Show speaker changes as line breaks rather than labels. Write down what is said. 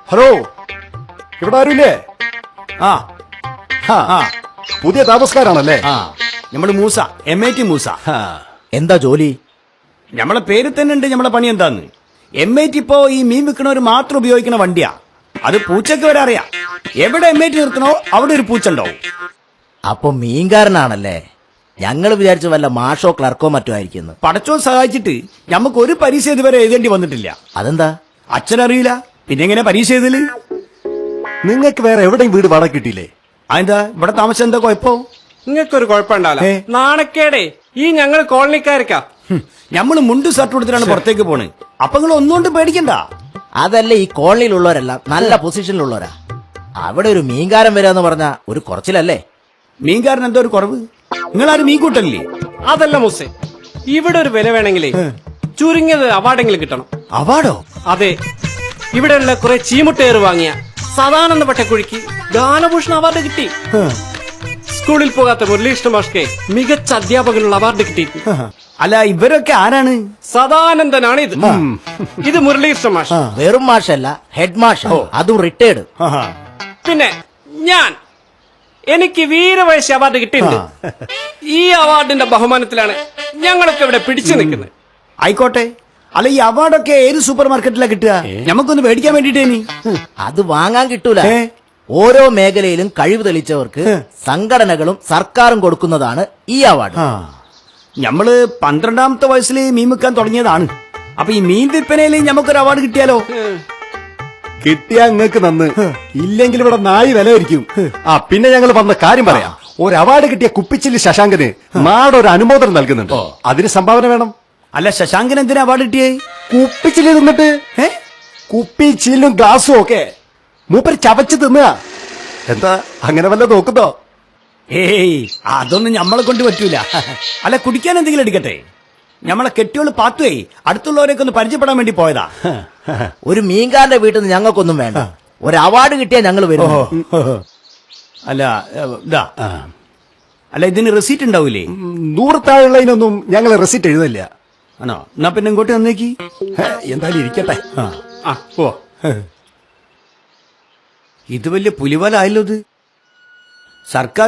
Hello, ഇവിടെ ആരുമില്ലേ?
ആ
ആ, പുതിയ താമസക്കാരാണല്ലേ?
ആ നമ്മള് മൂസ, MIT മൂസ.
എന്താ ജോലി?
നമ്മളെ പേര് തന്നെ ഉണ്ട് നമ്മളെ പണി എന്താന്ന്. MIT ഇപ്പോ ഈ മീൻ വിൽക്കണവര് മാത്രം ഉപയോഗിക്കുന്ന വണ്ടിയാ. അത് പൂച്ചക്ക് വരെ അറിയാം. എവിടെ MIT നിർത്തണോ അവിടെ ഒരു പൂച്ച ഉണ്ടാവും.
അപ്പൊ മീൻകാരനാണല്ലേ? ഞങ്ങൾ വിചാരിച്ചു വല്ല മാഷോ ക്ലർക്കോ മറ്റോ ആയിരിക്കുന്നു.
പടച്ചോൻ സഹായിച്ചിട്ട് നമുക്ക് ഒരു പരീക്ഷ ഇതുവരെ എഴുതേണ്ടി വന്നിട്ടില്ല.
അതെന്താ?
അച്ഛനറിയില്ല, പിന്നെ എങ്ങനെ പരീക്ഷ എഴുതല്?
നിങ്ങൾക്ക് വേറെ എവിടെയും വീട് വാടക കിട്ടിയില്ലേ?
അതെന്താ ഇവിടെ താമസം എന്താ കുഴപ്പോ?
നിങ്ങൾക്കൊരു കുഴപ്പമുണ്ടാവില്ല. നാണക്കേടേ ഈ ഞങ്ങൾ കോളനിക്കാർക്കാ.
നമ്മള് മുണ്ട് ഷർട്ട് കൊടുത്തിട്ടാണ് പുറത്തേക്ക് പോണ്. അപ്പൊ നിങ്ങൾ ഒന്നുകൊണ്ട് പേടിക്കണ്ട.
അതല്ല, ഈ കോളനിയിലുള്ളവരെല്ലാം നല്ല പൊസിഷനിലുള്ളവരാ. അവിടെ ഒരു മീൻകാരൻ വരാന്ന് പറഞ്ഞ ഒരു കുറച്ചിലല്ലേ?
മീൻകാരൻ എന്തോ ഒരു കുറവ്? നിങ്ങളാരും മീൻ കൂട്ടല്ലേ?
അതല്ല മുസേ, ഇവിടെ ഒരു വില വേണമെങ്കിലേ ചുരുങ്ങിയത് അവാർഡെങ്കിലും കിട്ടണം.
അവാർഡോ?
അതെ, ഇവിടെയുള്ള കുറെ ചീമുട്ടേറ് വാങ്ങിയ സദാനന്ദ പട്ടക്കുഴിക്ക് ഗാനഭൂഷൺ അവാർഡ് കിട്ടി. സ്കൂളിൽ പോകാത്ത മുരളീകൃഷ്ണ മാഷ്ക്ക് മികച്ച അധ്യാപകനുള്ള അവാർഡ് കിട്ടിയിട്ടുണ്ട്.
അല്ല, ഇവരൊക്കെ ആരാണ്?
സദാനന്ദനാണ് ഇത്. ഇത് മുരളീകൃഷ്ണ മാഷ്.
വെറും മാഷല്ല, ഹെഡ് മാഷ്, അതും റിട്ടയർഡ്.
പിന്നെ ഞാൻ, എനിക്ക് വീരവയസ്സ് അവാർഡ് കിട്ടിയിട്ടുണ്ട്. ഈ അവാർഡിന്റെ ബഹുമാനത്തിലാണ് ഞങ്ങളൊക്കെ ഇവിടെ പിടിച്ചു നിൽക്കുന്നത്.
ആയിക്കോട്ടെ. അല്ല, ഈ അവാർഡൊക്കെ ഏത് സൂപ്പർ മാർക്കറ്റിലാ കിട്ടുക? നമുക്കൊന്ന് മേടിക്കാൻ വേണ്ടിട്ടേനി.
അത് വാങ്ങാൻ കിട്ടൂല. ഓരോ മേഖലയിലും കഴിവ് തെളിയിച്ചവർക്ക് സംഘടനകളും സർക്കാരും കൊടുക്കുന്നതാണ് ഈ അവാർഡ്.
നമ്മള് 12ാമത്തെ വയസ്സിൽ മീൻ വിൽക്കാൻ തുടങ്ങിയതാണ്. അപ്പൊ ഈ മീൻ വിൽപ്പനയിൽ നമുക്കൊരു അവാർഡ് കിട്ടിയാലോ?
കിട്ടിയാ നിങ്ങൾക്ക് നന്ന്, ഇല്ലെങ്കിൽ ഇവിടെ നായി വിലയിരിക്കും. ആ, പിന്നെ ഞങ്ങൾ വന്ന കാര്യം പറയാം. ഒരു അവാർഡ് കിട്ടിയ കുപ്പിച്ചില്ലി ശശാങ്കന് നാടൊരു അനുമോദനം നൽകുന്നുണ്ട്. അതിന് സംഭാവന വേണം.
അല്ല, ശശാങ്കൻ എന്തിനാ അവാർഡ് കിട്ടിയേ?
കുപ്പിച്ചില്ലി തിന്നിട്ട് കുപ്പി ചില്ലും ഗ്ലാസും ഒക്കെ മൂപ്പര് ചവച്ച് തിന്നുക. എന്താ അങ്ങനെ വല്ല നോക്കുന്നോ?
ഏയ്, അതൊന്നും നമ്മളെ കൊണ്ട് പറ്റൂല. അല്ല, കുടിക്കാൻ എന്തെങ്കിലും എടുക്കട്ടെ? നമ്മളെ കെട്ടിയോള് പാത്തുവേ അടുത്തുള്ളവരൊക്കെ ഒന്ന് പരിചയപ്പെടാൻ വേണ്ടി പോയതാ.
ഒരു മീൻകാരന്റെ വീട്ടിൽ നിന്ന് ഞങ്ങൾക്കൊന്നും വേണ്ട. ഒരു അവാർഡ് കിട്ടിയാൽ ഞങ്ങൾ വരും.
അല്ല, ഇതാ. അല്ല, ഇതിന് റെസീറ്റ് ഉണ്ടാവൂലേ?
100 താഴെയുള്ളതിനൊന്നും ഞങ്ങൾ റെസിറ്റ് എഴുതില്ല.
ആണോ? എന്നാ പിന്നെ ഇങ്ങോട്ട് വന്നേക്ക്.
എന്തായാലും ഇരിക്കട്ടെ.
ഓ, ഇത് വലിയ പുലിവലായല്ലോ ഇത്. സർക്കാർ